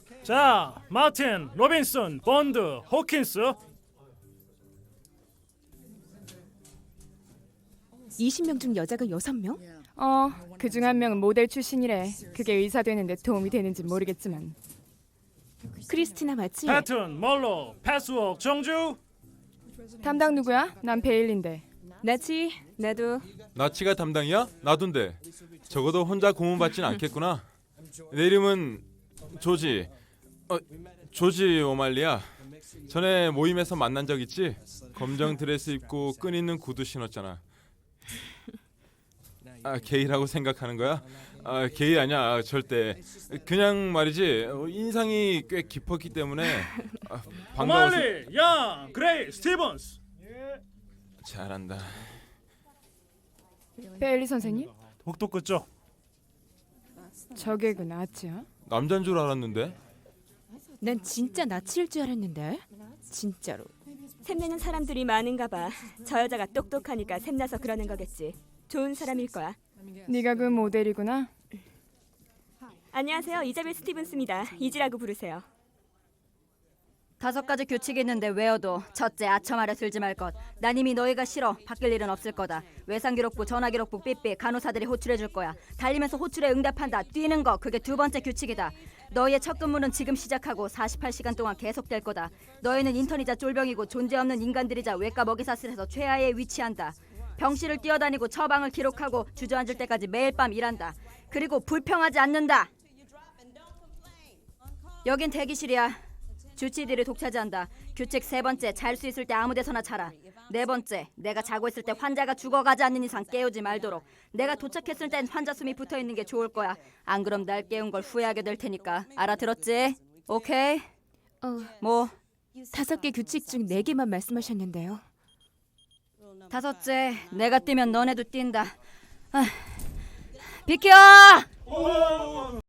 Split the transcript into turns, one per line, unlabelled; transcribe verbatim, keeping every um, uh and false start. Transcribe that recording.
자, 마틴, 로빈슨, 본드, 호킨스.
이십 명 중 여자가 여섯 명?
어, 그중 한 명은 모델 출신이래. 그게 의사 되는데 도움이 되는지 모르겠지만.
크리스티나 맞지?
패튼, 멀로, 패스웍, 정주.
담당 누구야? 난 베일린데.
나지? 나도.
나치가 담당이야? 나둔데. 적어도 혼자 고문받진 않겠구나. 내 이름은 조지. 어, 조지 오말리야. 전에 모임에서 만난 적 있지? 검정 드레스 입고 끈 있는 구두 신었잖아. 아, 게이라고 생각하는 거야? 아, 게이 아니야, 절대. 그냥 말이지, 어, 인상이 꽤 깊었기 때문에 아, 반가워서.
오말리, 양, 그레이, 스티븐스.
잘한다.
베일리 선생님?
독도 끝죠.
저게 그 나치야?
남잔 줄 알았는데.
난 진짜 나치일 줄 알았는데. 진짜로.
샘내는 사람들이 많은가 봐. 저 여자가 똑똑하니까 샘나서 그러는 거겠지. 좋은 사람일 거야.
네가 그 모델이구나.
안녕하세요. 이자벨 스티븐스입니다. 이지라고 부르세요.
다섯 가지 규칙이 있는데 외워도. 첫째, 아첨 아래 들지 말 것. 난 이미 너희가 싫어. 바뀔 일은 없을 거다. 외상기록부, 전화기록부, 삐삐. 간호사들이 호출해 줄 거야. 달리면서 호출에 응답한다. 뛰는 거. 그게 두 번째 규칙이다. 너희의 첫 근무는 지금 시작하고 사십팔 시간 동안 계속될 거다. 너희는 인턴이자 쫄병이고 존재없는 인간들이자 외과 먹이사슬에서 최하에 위치한다. 병실을 뛰어다니고 처방을 기록하고 주저앉을 때까지 매일 밤 일한다. 그리고 불평하지 않는다. 여긴 대기실이야. 주치의들이 독차지한다. 규칙 세 번째, 잘 수 있을 때 아무 데서나 자라. 네 번째, 내가 자고 있을 때 환자가 죽어가지 않는 이상 깨우지 말도록. 내가 도착했을 땐 환자 숨이 붙어있는 게 좋을 거야. 안 그럼 날 깨운 걸 후회하게 될 테니까. 알아들었지? 오케이?
어,
뭐?
다섯 개 규칙 중 네 개만 말씀하셨는데요.
다섯째, 내가 뛰면 너네도 뛴다. 아, 비켜!